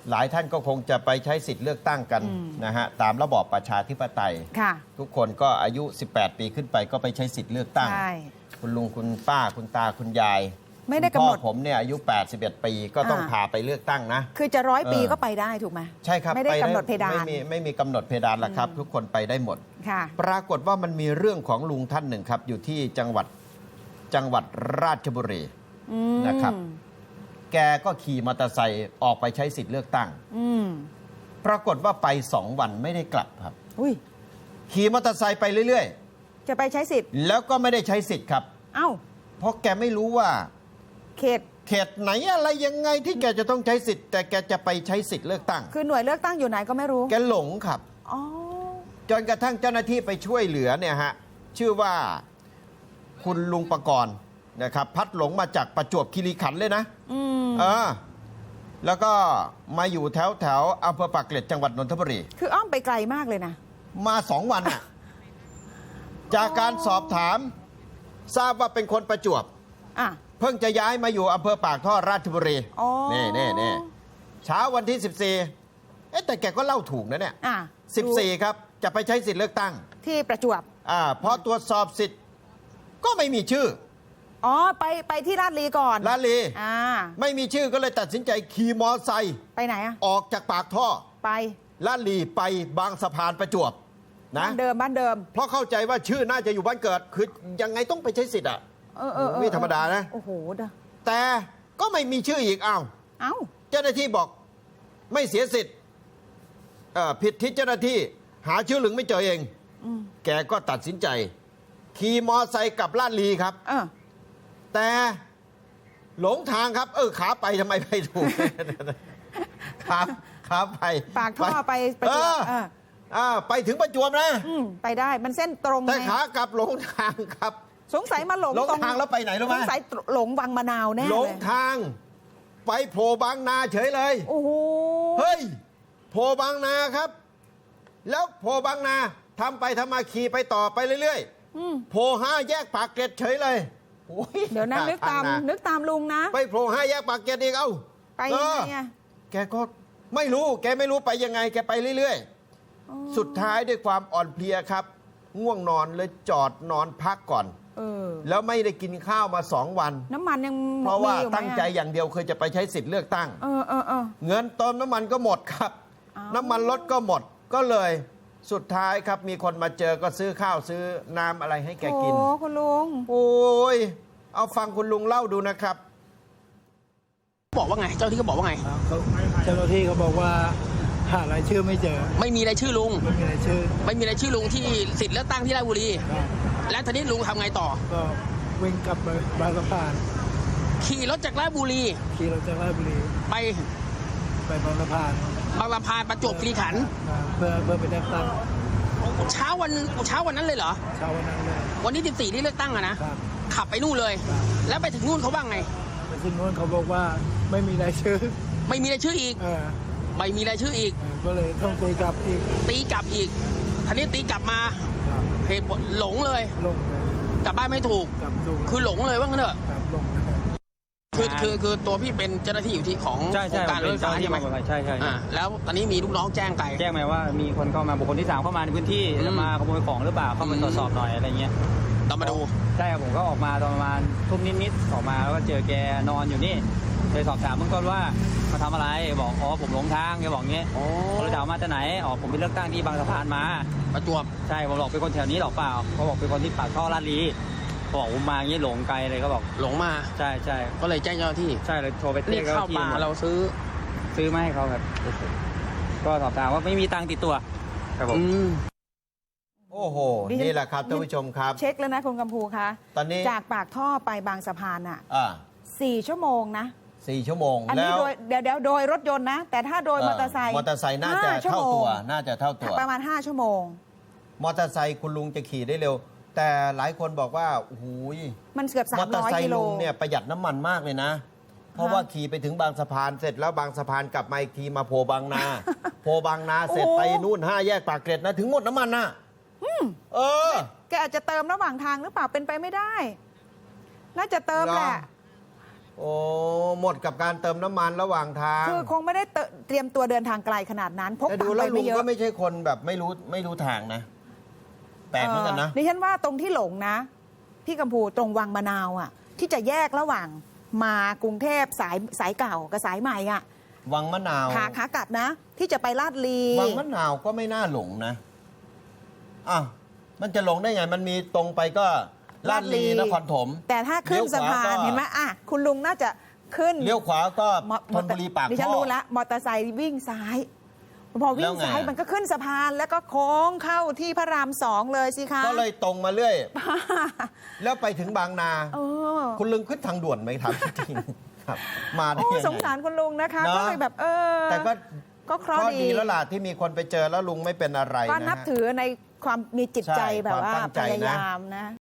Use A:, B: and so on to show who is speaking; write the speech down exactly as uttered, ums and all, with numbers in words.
A: หลายท่านก็คงจะไปใช้สิทธิ์เลือกตั้งกันนะฮะตามระบอบประชาธิปไตยทุกคนก็อายุสิบแปดปีขึ้นไปก็ไปใช้สิทธิ์เลือกตั้งคุณลุงคุณป้าคุณตาคุณยาย
B: ไม่ได้กำหนด
A: ผมเนี่ยอายุแปดสิบเอ็ดปีก็ต้องพาไปเลือกตั้งนะ
B: คือจะร้อยปีก็ไปได้ถูกไหม
A: ใช่ครับ
B: ไม่ได้กำหนดเพดาน
A: ไม่มีไม่มีกำหนดเพดานละครับทุกคนไปได้หมดปรากฏว่ามันมีเรื่องของลุงท่านหนึ่งครับอยู่ที่จังหวัดจังหวัดราชบุรีนะครับแกก็ขี่มอเตอร์ไซค์ออกไปใช้สิทธิ์เลือกตั้งปรากฏว่าไปสองวันไม่ได้กลับครับขี่มอเตอร์ไซค์ไปเรื่อย
B: ๆจะไปใช้สิทธิ์
A: แล้วก็ไม่ได้ใช้สิทธิ์ครับ
B: เอ้า
A: เพราะแกไม่รู้ว่า
B: เขต
A: เขตไหนอะไรยังไงที่แกจะต้องใช้สิทธิ์แต่แกจะไปใช้สิทธิ์เลือกตั้ง
B: คือหน่วยเลือกตั้งอยู่ไหนก็ไม่รู้
A: แกหลงครับจนกระทั่งเจ้าหน้าที่ไปช่วยเหลือเนี่ยฮะชื่อว่าคุณลุงประกรณ์นะครับพัดหลงมาจากประจวบคีรีขันธ์เลยนะเออแล้วก็มาอยู่แถวแถวอำเภอปากเกร็ดจังหวัดนนทบุรี
B: คืออ้อมไปไกลมากเลยนะ
A: มาสองวันอ่ะจากการสอบถามทราบว่าเป็นคนประจวบเพิ่งจะย้ายมาอยู่อำเภอปากท่อราชบุรีนี่นี่นี่เช้าวันที่สิบสี่เอ๊ะแต่แกก็เล่าถูกนะเนี่ยสิบสี่ครับจะไปใช้สิทธิ์เลือกตั้ง
B: ที่ประจวบ
A: อ่าพอตรวจสอบสิทธิ์ก็ไม่มีชื่อ
B: อ๋อไปไปที่ลาดลีก่อน
A: ลาดลีอ่าไม่มีชื่อก็เลยตัดสินใจขี่มอไซค์
B: ไปไหนอะ
A: ออกจากปากท่อ
B: ไป
A: ลาดลีไปบางสะพานประจวบนะ
B: บ้านเดิมบ้านเดิม
A: เพราะเข้าใจว่าชื่อน่าจะอยู่บ้านเกิดคือยังไงต้องไปใช้สิทธิ์อ่ะ
B: เออเออ
A: ไม่ธรรมดานะ
B: โอ้โห
A: แต่ก็ไม่มีชื่ออีกอ้าว
B: เอ้า
A: เจ้าหน้าที่บอกไม่เสียสิทธิ์ผิดที่เจ้าหน้าที่หาชื่อหลึงไม่เจอเองแกก็ตัดสินใจขี่มอไซค์กลับลาดลีครับแต่หลงทางครับเออขาไปทำไมไปถูกขาขาไป
B: ปากท่อไป
A: ประจวบอ่าไปถึงประจวบนะ
B: ไปได้มันเส้นตรง
A: แต่ขากลับหลงทางครับ
B: สงสัยมาหลง
A: หลงทางแล้วไปไหนรู้ไหม
B: สงสัยหลงบางมะนาวแน่
A: หลงทางไปโผล่บางนาเฉยเลย
B: โอ้โห
A: เฮ้ยโผล่บางนาครับแล้วโผล่บางนาทำไปทำมาขี่ไปต่อไปเรื่อยๆโผล่ห้าแยกปากเกร็ดเฉยเลย
B: เดี๋ยวนะนึกตามนึกตามลุงนะ
A: ไปโผล่ห้าแยกปากเกร็ดอีกเอ้า
B: ไปยังไง
A: แกก็ไม่รู้แกไม่รู้ไปยังไงแกไปเรื่อยๆสุดท้ายด้วยความอ่อนเพลียครับง่วงนอนเลยจอดนอนพักก่อนแล้วไม่ได้กินข้าวมาสองวัน
B: น้ำมันยัง
A: เพราะว่าตั้งใจอย่างเดียวเคยจะไปใช้สิทธิ์เลือกตั้ง
B: เออเออเออ
A: เงินเติมน้ำมันก็หมดครับน้ำมันรถก็หมดก็เลยสุดท้ายครับมีคนมาเจอก็ซื้อข้าวซื้อน้ำอะไรให้แกกิน
B: โอ้คุณลุง
A: โอ้ยเอาฟังคุณลุงเล่าดูนะครับ
C: บอกว่าไงเจ้าที่เขาบอกว่าไง
D: เจ้าหน้าที่เขาบอกว่าหารายชื่อไม่เจอ
C: ไม่มีรายชื่อลุง
D: ไม่มีรายชื่อ
C: ไม่มีรายชื่อลุงที่สิทธิ์เลือกตั้งที่ราชบุรีแล้วทีนี้ลุงทำไงต่อ
D: ก็วิ่งกลับไปบางสะพาน
C: ขี่รถจากราชบุรี
D: ขี่รถจากราชบุรี
C: ไป
D: ไปบางสะพาน
C: บางสะพานประจวบคีรีขันธ์
D: เพื่อเพื่อไปเลือกตั้ง
C: เช้าวันเช้าวันนั้นเลยเหรอ
D: เช้าวันนั้นเลย
C: วันที่สิบสี่ที่เลือกตั้งอะนะขับไปนู่นเลยแล้วไปถึงนู่นเขาบ้างไง
D: ไปถึงนู่นเขาบอกว่าไม่มีรายชื่อ
C: ไม่มีรายชื่ออีกไม่มีรายชื่ออีก
D: ก็เลยต้องตีกลับอีก
C: ตีกลับอีกทีนี้ตีกลับมาเหตุผลหลงเลย
D: หลง
C: กลับบ้านไม่ถูกคือหลงเลยว่างั้นเถอะคือคือคือตัวพี่เป็นเจ้าหน้าที่อยู่ที่ของการเลือกตั้งใช่ไหม
E: ใช่ใช่
C: แล้วตอนนี้มีลูกน้องแจ้งไป
E: แจ้งมาว่ามีคนเข้ามาบุคคลที่สามเข้ามาในพื้นที่จะมาขโมยของหรือเปล่าเข้ามาตรวจสอบหน่อยอะไรเงี้ย
C: ต้องมาดู
E: ใช่ผมก็ออกมาตอนประมาณทุ่มนิดๆออกมาแล้วก็เจอแกนอนอยู่นี่ไปสอบถามเบื้องต้นว่ามาทำอะไรบอกอ๋อผมหลงทางแกบอกงี้เขาเลยถามมาจากไหนอ๋อผมไปเลือกตั้งที่บางสะพานมา
C: ประจวบ
E: ใช่ผมบอกเป็นคนแถวนี้หรอกเปล่าเขาบอกเป็นคนที่ปากท่อลาดลีบอกผมมางี้หลงไกลเลยก็บอก
C: หลงมา
E: ใช่ใช่
C: ก็เลยแจ้งเจ้าหน้าที่
E: ใช่เลยโทรไป
C: เรียกเข้ามาเราซื้อ
E: ซื้อมาให้เขาครับก็สอบถามว่าไม่มีตังค์ติดตัวครับผม
A: โอ้โหนี่แหละครับท่านผู้ชมครับ
B: เช็คแล้วนะคุณกำพูคะ
A: ตอนนี้
B: จากปากท่อไปบางสะพานอ่ะสี่ชั่วโมงนะ
A: สี่ชั่วโมง
B: อันนี้โดยเดี๋ยวเดี๋ยวโดยรถยนต์นะแต่ถ้าโดยมอเตอร์ไซค์
A: มอเตอร์ไซค์น่าจะเท่าตัวน่าจะเท่าตัว
B: ประมาณห้าชั่วโมง
A: มอเตอร์ไซค์คุณลุงจะขี่ได้เร็วแต่หลายคนบอกว่าโอ้โห
B: มันเกือบสามร้อยกิโล
A: มอเตอร์ไซค์ลุงเนี่ยประหยัดน้ำมันมากเลยนะเพราะว่าขี่ไปถึงบางสะพานเสร็จแล้วบางสะพานกลับมาอีกทีมาโพบางนาโพบางนาเสร็จไปนู่นห้าแยกปากเกร็ดนะถึงหมดน้ำมันนะเออ
B: แกอาจจะเติมระหว่างทางหรือเปล่าเป็นไปไม่ได้น่าจะเติมแหละ
A: โอ้หมดกับการเติมน้ำมันระหว่างทาง
B: คือคงไม่ได้เตเตรียมตัวเดินทางไกลขนาดนั้นพก
A: แต่
B: ตั
A: ดู
B: งค์
A: แล้
B: ไป
A: วลุ
B: ไม่
A: ง
B: เยอะ
A: ก็ไม่ใช่คนแบบไม่รู้ไม่รู้ทางนะแปลกเหมือนกันนะ
B: ดิฉันว่าตรงที่หลงนะ พี่กัมพูตรงวังมะนาวอ่ะ ที่จะแยกระหว่างมากรุงเทพสายสายเก่ากับสายใหม่อ่ะ
A: วังมะนาว
B: ขาขากลับนะ ที่จะไปลาดลี
A: วังมะนาวก็ไม่น่าหลงนะอ่ะมันจะหลงได้ไงมันมีตรงไปก็ลาดลีนครถม
B: แต่ถ้าขึ้นสะพานเห็นไหมอ่ะคุณลุงน่าจะขึ้น
A: เลี้ยวขวาก็
B: มอ
A: ธนบุรีปาก
B: ดิฉัน
A: ท่อ
B: รู้แล้วมอเตอร์ไซค์วิ่งซ้าย พอวิ่
A: แล้
B: ง
A: วไง
B: ซ้ายมันก็ขึ้นสะพานแล้วก็โค้งเข้าที่พระรามสองเลยสิคะ
A: ก็เลยตรงมาเรื่อย แล้วไปถึงบางนา
B: เออ
A: คุณลุงขึ้นทางด่วนไหมถามจริงๆครับ มาได้
B: โอ้
A: ยังไง
B: สงสารคุณลุงนะคะ
A: เนอะ
B: ก็เลยแบบเออ
A: แต่ก็
B: ก็เคราะ
A: ก็
B: ห์
A: ดี
B: ดี
A: แล้วล่ะที่มีคนไปเจอแล้วลุงไม่เป็นอะไร
B: ก็
A: นะ
B: นับ
A: ฮะ
B: ถือในความมีจิตใจ
A: ใช่
B: แบบว่า
A: ความตั้ง
B: พ
A: ใจนะ
B: ยายามนะ